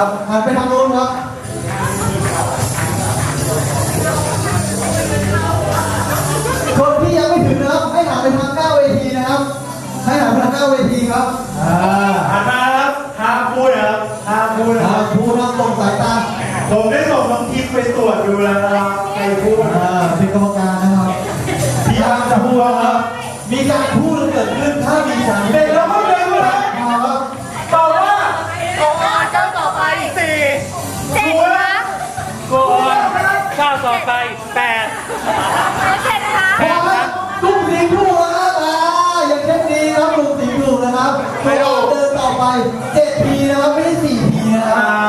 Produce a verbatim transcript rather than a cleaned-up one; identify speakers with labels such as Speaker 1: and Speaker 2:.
Speaker 1: ครับหันไปทางโน้นครับคนที่ยังไม่ถึงนะครับให้หันไปทางหน้าเวทีนะครับให้หันไปทางหน้าเวทีครับอ่า
Speaker 2: หันมาครับห้ามพูดนะครับห้ามพูดนะค
Speaker 1: อ่า
Speaker 2: รับ
Speaker 1: พูดครับตรงสายตา
Speaker 2: ผมได้ส่งน้องทิพย์ไปตรวจดูแล้วนะครับใครพูด
Speaker 1: อ่าเป็นกรรมการนะครับ
Speaker 2: พี่อาร์มจะพูดครับ
Speaker 1: มีการพูดเกิดขึ้นถ้ามีสาร
Speaker 2: เด็กเราไม่เด็กเลย
Speaker 1: มาครับ
Speaker 2: ตอบว่า
Speaker 3: โอ้เจ้าต่อไปสี่เจ็ดครั้ง
Speaker 2: โกนข้าวต่อไปแปด
Speaker 3: เจ็ดครั้ง
Speaker 1: พอครับตุ้มสีถูกนะครับอ่าอย่างเช่นนี้ครับตุ้มสีถูกนะครับเวลาเดินต่อไปเจ็ดทีนะครับไม่ใช่สี่ทีนะครับ